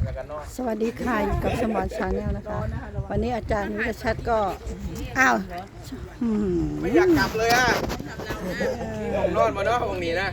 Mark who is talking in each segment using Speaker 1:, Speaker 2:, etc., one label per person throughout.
Speaker 1: สวัสดีค่ะอยู่กับสมอนชาแนลนะคะ วันนี้อาจารย์วิทยชัดก็อ้าว
Speaker 2: ไม่อยากกลับเลยอ่ะผมนอนมาเนาะตรงนี้นะ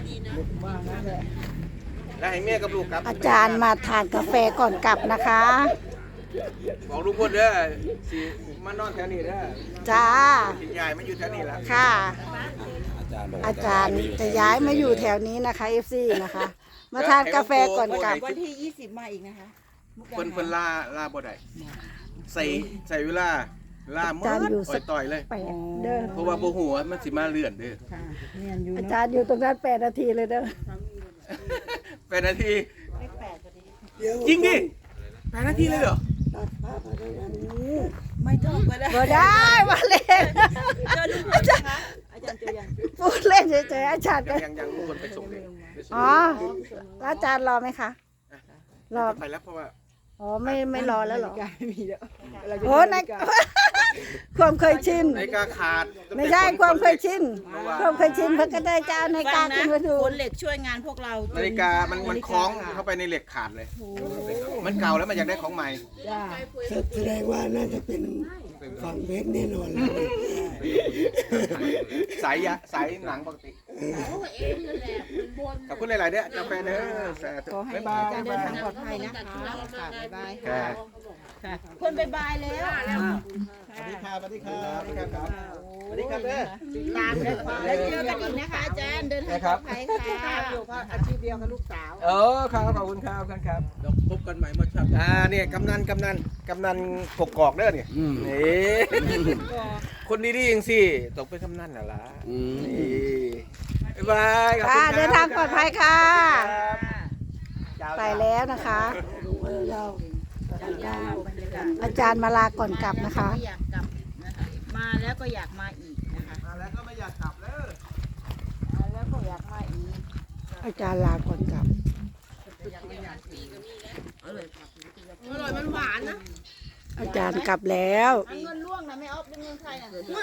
Speaker 2: แล้วให้แม่กับลูกกลับ
Speaker 1: อาจารย์มาทานกาแฟก่อนกลับนะคะ
Speaker 2: บอกลุงพลเด้อสิมานอนแถวนี้เด้อ
Speaker 1: จ้า
Speaker 2: สิยายมาอยู่แถวนี้แล้ว
Speaker 1: ค่ะ อาจารย์จะย้ายมาอยู่แถวนี้นะคะ FC นะคะ มาทานกาแฟก่อนกลับ
Speaker 3: วันที่20มาอีกนะคะ
Speaker 2: เพิ่นล่าบ่ได้ใส่เวลามืดอ่อยต่อยเลย
Speaker 1: 8เด้อ
Speaker 2: เพราะว่าบ่ฮู้ว่ามันสิมาเลื่อนเด้อ
Speaker 3: ค่ะเรียนอยู่
Speaker 1: อาจารย์อยู่ตรงนั้น8 นาทีเลยเด้อ
Speaker 2: 8 นาทีจริงดิ8 นาทีเลยเหรอ
Speaker 3: ไม่ต้องก็ได้
Speaker 1: บ่ได้มาเล่น
Speaker 3: เจอลุงพลนะคะอาจารย์เจอยัง
Speaker 1: พูดเล่นเฉยๆอาจารย์ก็
Speaker 2: ยังลุงพลไปส่งเลย
Speaker 1: อ๋อแล้วอาจารย์รอไหมคะ รอ
Speaker 2: ไปแล้วเพราะว่า
Speaker 1: อ๋อไม่รอแล้วเหรอ
Speaker 3: ไม่มีแล้ว
Speaker 1: โอ้ใน ความเคยชิน
Speaker 2: นาฬิกาขาด
Speaker 1: ไม่ใช่ความเคยชิน ความเคยชินเพิ่นก็ได้เจ้าในกา
Speaker 3: ฟั
Speaker 1: รง ขึ้นมาดู
Speaker 3: คนเหล็กช่วยงานพวกเรา
Speaker 2: นาฬิกามันคล้องเข้าไปในเหล็กขาดเลย มันเก่าแล้วมันอยากได้ของใหม่
Speaker 3: จ้า
Speaker 4: แสดงว่าน่าจะเป็นฝั่งเพชรแน่นอนเลย
Speaker 2: สายหนังปกติขอบคุณหลายๆเด้อกาแฟเด้อสาธุ
Speaker 3: ขอให้
Speaker 2: บ๊ายบา
Speaker 3: อาย จารย์เดินทางปลอดภัยนะคะค่ะบ๊ายบาย
Speaker 2: ค่ะ
Speaker 3: ค่ะคนบ๊ายบายแล้ว
Speaker 2: สวัสดีครับสวัสดีครับสวัสดีครับสวัสดีครับเด้อ
Speaker 3: ตามแล้วเจอกันอีกนะคะอาจารย์เดินทางปลอดภัยค่ะ
Speaker 4: อยู่ก็อาชีพเดียวกับลูกสาว
Speaker 2: ครับขอบคุณครับครับเดี๋ยวพบกันใหม่มาครับเนี่ยกำนันกกอกเด้อเนี่ยนี่คนดีๆอย่างสิตกเป็นกำนันน่ะล่ะนี่บ๊ายบายขอบคุณ
Speaker 1: ค่ะ
Speaker 2: ครับ
Speaker 1: เดินทางปลอดภัยค่ะ
Speaker 2: ครับ
Speaker 1: ไปแล้วนะคะ อาจารย์มาลาก่อนกลับนะคะ
Speaker 3: ไม่อยากกลับนะคะมาแล้วก็อยากมาอีกนะคะ
Speaker 2: มาแล้วก็ไม่อยากกลับแล้ว
Speaker 3: มาแล้วก็อยากมาอีก
Speaker 1: อาจารย์ลาก่อนกลับ
Speaker 3: อร่อยมันหวานนะ
Speaker 1: อาจารย์กลับแล้ว
Speaker 3: เงินล่วงนะไม่เอาเป็นเงินใครนะ